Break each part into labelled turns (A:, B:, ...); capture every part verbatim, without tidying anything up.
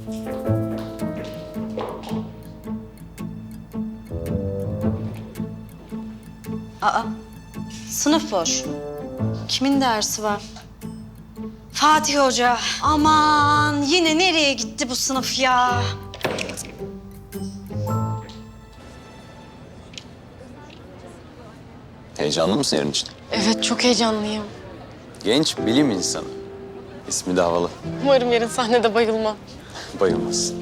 A: Aa, sınıf boş. Kimin dersi var? Fatih Hoca. Aman yine nereye gitti bu sınıf ya?
B: Heyecanlı mısın yarın için?
C: Evet, çok heyecanlıyım.
B: Genç bilim insanı. İsmi de havalı.
C: Umarım yarın sahnede bayılmam.
B: Bayılmaz.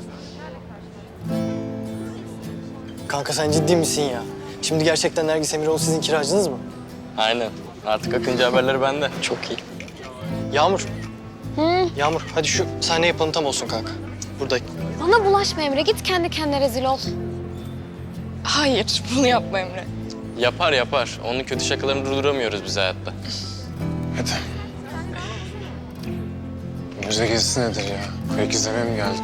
D: Kanka sen ciddi misin ya? Şimdi gerçekten Nergis Emiroğlu sizin kiracınız mı?
E: Aynen. Artık Akıncı haberleri bende.
D: Çok iyi. Yağmur. Hı? Yağmur hadi şu sahne yapalım tam olsun kanka. Burada.
F: Bana bulaşma Emre. Git kendi kendine rezil ol.
C: Hayır, bunu yapma Emre.
E: Yapar yapar. Onun kötü şakalarını durduramıyoruz biz hayatta.
G: Hadi. Müze gezisi nedir ya? Kayık izlemeye mi geldik?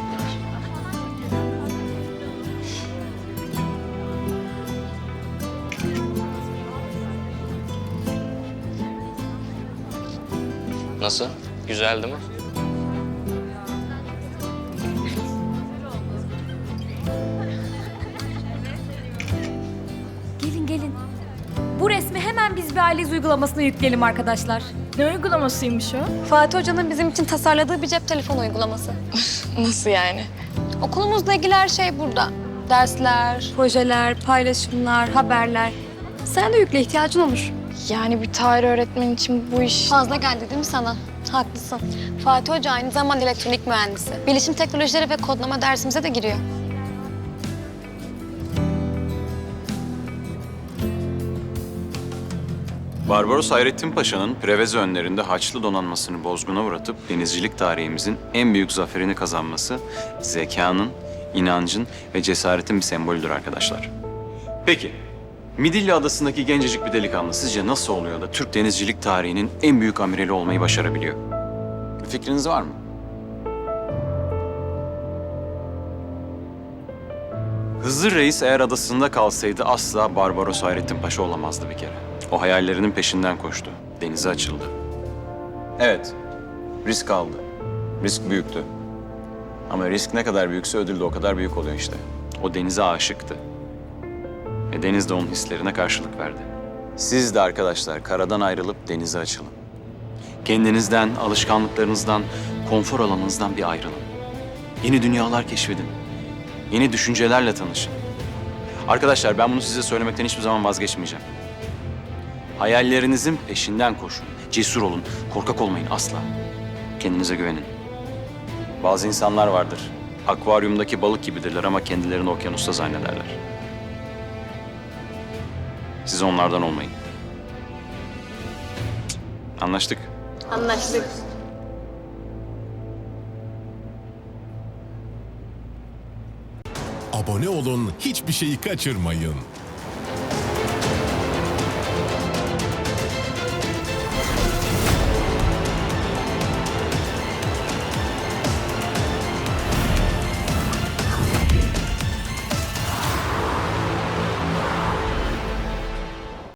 E: Nasıl? Güzeldi mi?
H: Gelin gelin. Bu resmi hemen biz bir aileyiz uygulamasına yükleyelim arkadaşlar.
I: Ne uygulamasıymış o?
F: Fatih Hoca'nın bizim için tasarladığı bir cep telefonu uygulaması.
C: Nasıl yani?
F: Okulumuzla ilgili her şey burada. Dersler,
H: Projeler, paylaşımlar, haberler.
F: sen de yükle, ihtiyacın olur.
C: Yani bir tarih öğretmeni için bu iş...
F: Fazla geldi değil mi sana? Haklısın. Fatih Hoca aynı zamanda elektronik mühendisi. Bilişim teknolojileri ve kodlama dersimize de giriyor.
B: Barbaros Hayrettin Paşa'nın Preveze önlerinde Haçlı donanmasını bozguna uğratıp denizcilik tarihimizin en büyük zaferini kazanması zekanın, inancın ve cesaretin bir sembolüdür arkadaşlar. Peki, Midilli Adası'ndaki gencecik bir delikanlı sizce nasıl oluyor da Türk denizcilik tarihinin en büyük amirali olmayı başarabiliyor? Bir fikriniz var mı? Hızır Reis eğer adasında kalsaydı asla Barbaros Hayrettin Paşa olamazdı bir kere. O hayallerinin peşinden koştu. Denize açıldı. Evet, risk aldı. Risk büyüktü. Ama risk ne kadar büyükse ödül de o kadar büyük oluyor işte. O denize aşıktı. Ve deniz de onun hislerine karşılık verdi. Siz de arkadaşlar karadan ayrılıp denize açılın. Kendinizden, alışkanlıklarınızdan, konfor alanınızdan bir ayrılın. Yeni dünyalar keşfedin. Yeni düşüncelerle tanışın. Arkadaşlar ben bunu size söylemekten hiçbir zaman vazgeçmeyeceğim. Hayallerinizin peşinden koşun. Cesur olun. Korkak olmayın asla. Kendinize güvenin. Bazı insanlar vardır. Akvaryumdaki balık gibidirler ama kendilerini okyanusta zannederler. Siz onlardan olmayın. Anlaştık.
F: Anlaştık.
J: Abone olun, hiçbir şeyi kaçırmayın.